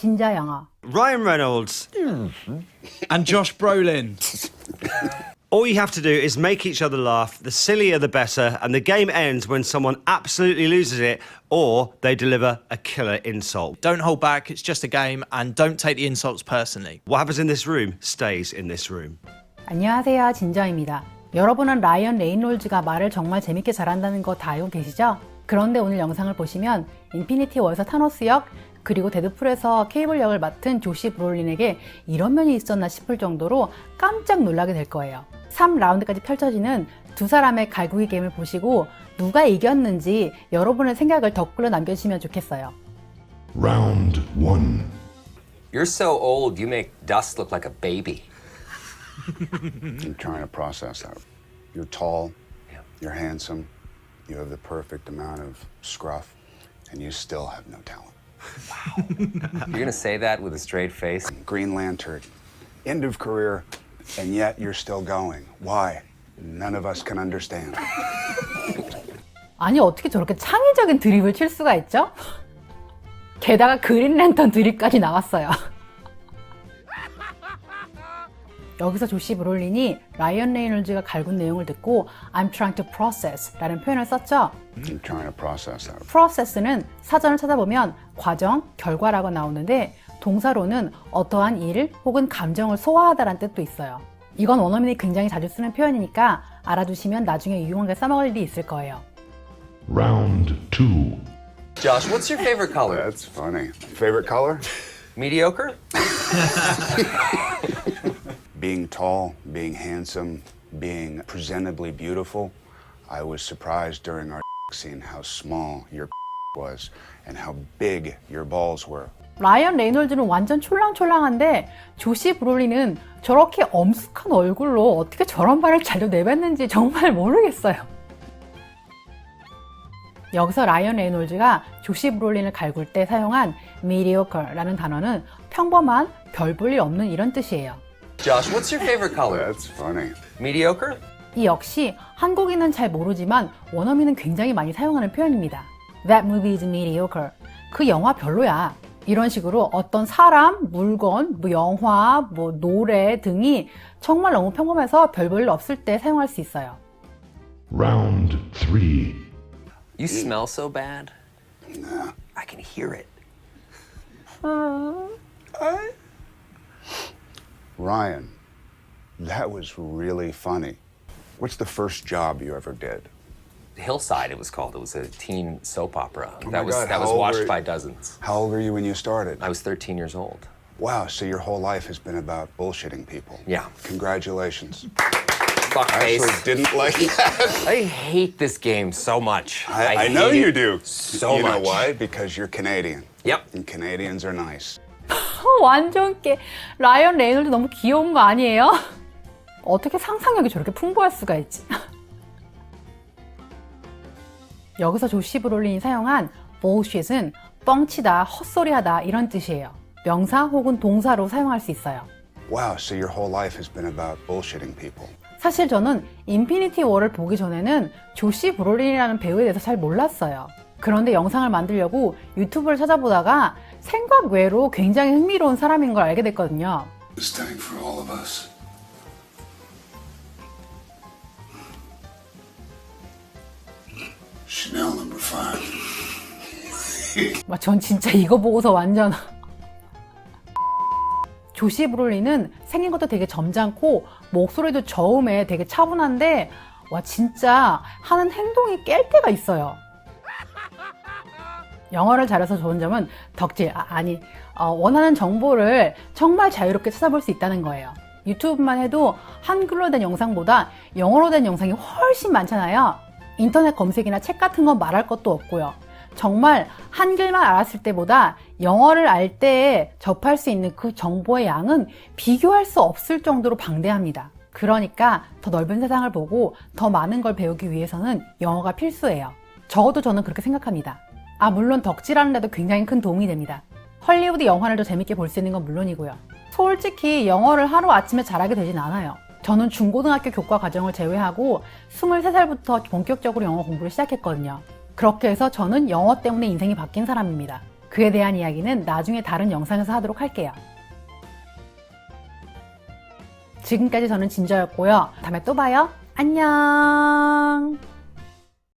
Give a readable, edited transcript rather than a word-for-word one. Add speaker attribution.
Speaker 1: 진짜 영어.
Speaker 2: Ryan Reynolds.
Speaker 3: And Josh Brolin.
Speaker 2: All you have to do is make each other laugh. The sillier the better, and the game ends when someone absolutely loses it or they deliver a killer insult.
Speaker 3: Don't hold back, it's just a game, and don't take the insults personally.
Speaker 2: What happens in this room stays in this room.
Speaker 1: 안녕하세요, 진저입니다. 여러분은 라이언 레이놀즈가 말을 정말 재밌게 잘한다는 거 다 알고 계시죠? 그런데 오늘 영상을 보시면 인피니티 워에서 타노스 역, 그리고 데드풀에서 케이블 역을 맡은 조시 브롤린에게 이런 면이 있었나 싶을 정도로 깜짝 놀라게 될 거예요. 3라운드까지 펼쳐지는 두 사람의 갈구기 게임을 보시고 누가 이겼는지 여러분의 생각을 댓글로 남겨주시면 좋겠어요.
Speaker 4: Round 1.
Speaker 5: You're so old, you make Dust look like a baby.
Speaker 6: I'm trying to process that. You're tall, you're handsome, you have the perfect amount of scruff, and you still have no talent.
Speaker 5: You're gonna say that with a straight face?
Speaker 6: Green Lantern, end of career, and yet you're still going. Why? None of us can understand.
Speaker 1: 아니 어떻게 저렇게 창의적인 드립을 칠 수가 있죠? 게다가 그린랜턴 드립까지 나왔어요. 여기서 조시 브롤린이 라이언 레이놀즈가 갈군 내용을 듣고 I'm trying to process 라는 표현을 썼죠.
Speaker 6: I'm trying to process that.
Speaker 1: process는 사전을 찾아보면 과정, 결과라고 나오는데 동사로는 어떠한 일 혹은 감정을 소화하다라는 뜻도 있어요. 이건 원어민이 굉장히 자주 쓰는 표현이니까 알아두시면 나중에 유용하게 써먹을 일이 있을 거예요.
Speaker 4: Round 2.
Speaker 5: Josh, what's your favorite color?
Speaker 6: That's funny. Favorite color?
Speaker 5: Mediocre?
Speaker 6: Being tall, being handsome, being presentably beautiful. I was surprised during our scene how small your was and how big your balls were.
Speaker 1: 라이언 레이놀즈는 완전 촐랑촐랑한데 조시 브롤린은 저렇게 엄숙한 얼굴로 어떻게 저런 말을 잘 내뱉는지 정말 모르겠어요. 여기서 라이언 레이놀즈가 조시 브롤린을 갈굴 때 사용한 mediocre라는 단어는 평범한, 별 볼 일 없는 이런 뜻이에요.
Speaker 5: Josh, what's your favorite color?
Speaker 6: That's funny.
Speaker 5: Mediocre?
Speaker 1: 이 역시 한국인은 잘 모르지만 원어민은 굉장히 많이 사용하는 표현입니다. That movie is mediocre. 그 영화 별로야. 이런 식으로 어떤 사람, 물건, 영화, 노래 등이 정말 너무 평범해서 별 볼 일 없을 때 사용할 수 있어요.
Speaker 4: Round 3.
Speaker 5: You smell so bad. I can hear it.
Speaker 6: Ryan, that was really funny. What's the first job you ever did?
Speaker 5: Hillside, it was called. It was a teen soap opera.
Speaker 6: Oh my
Speaker 5: that was
Speaker 6: God,
Speaker 5: that was
Speaker 6: how old
Speaker 5: watched
Speaker 6: were-
Speaker 5: by dozens.
Speaker 6: How old were you when you started?
Speaker 5: I was 13 years old.
Speaker 6: Wow, so your whole life has been about bullshitting people.
Speaker 5: Yeah.
Speaker 6: Congratulations.
Speaker 5: Fuck
Speaker 6: I
Speaker 5: face.
Speaker 6: actually didn't like that.
Speaker 5: I hate this game so much.
Speaker 6: I know
Speaker 5: hate
Speaker 6: you
Speaker 5: it
Speaker 6: do.
Speaker 5: So
Speaker 6: you know
Speaker 5: much.
Speaker 6: why? Because you're Canadian.
Speaker 5: Yep.
Speaker 6: And Canadians are nice.
Speaker 1: 완전 라이언 레이놀즈 너무 귀여운 거 아니에요? 어떻게 상상력이 저렇게 풍부할 수가 있지? 여기서 조시 브롤린이 사용한 bullshit은 뻥치다, 헛소리하다 이런 뜻이에요. 명사 혹은 동사로 사용할 수 있어요.
Speaker 6: Wow, so your whole life has been about bullshitting people.
Speaker 1: 사실 저는 인피니티 워를 보기 전에는 조시 브롤린이라는 배우에 대해서 잘 몰랐어요. 그런데 영상을 만들려고 유튜브를 찾아보다가 생각 외로 굉장히 흥미로운 사람인 걸 알게 됐거든요.
Speaker 6: This time for all of us. Chanel number 5.
Speaker 1: 전 진짜 이거 보고서 완전 조시 브롤린은 생긴 것도 되게 점잖고 목소리도 저음에 되게 차분한데 와 진짜 하는 행동이 깰 때가 있어요. 영어를 잘해서 좋은 점은 덕질, 원하는 정보를 정말 자유롭게 찾아볼 수 있다는 거예요. 유튜브만 해도 한글로 된 영상보다 영어로 된 영상이 훨씬 많잖아요. 인터넷 검색이나 책 같은 건 말할 것도 없고요. 정말 한글만 알았을 때보다 영어를 알 때에 접할 수 있는 그 정보의 양은 비교할 수 없을 정도로 방대합니다. 그러니까 더 넓은 세상을 보고 더 많은 걸 배우기 위해서는 영어가 필수예요. 적어도 저는 그렇게 생각합니다. 물론 덕질하는 데도 굉장히 큰 도움이 됩니다. 헐리우드 영화를 더 재밌게 볼 수 있는 건 물론이고요. 솔직히 영어를 하루아침에 잘하게 되진 않아요. 저는 중고등학교 교과 과정을 제외하고 23살부터 본격적으로 영어 공부를 시작했거든요. 그렇게 해서 저는 영어 때문에 인생이 바뀐 사람입니다. 그에 대한 이야기는 나중에 다른 영상에서 하도록 할게요. 지금까지 저는 진저였고요. 다음에 또 봐요. 안녕.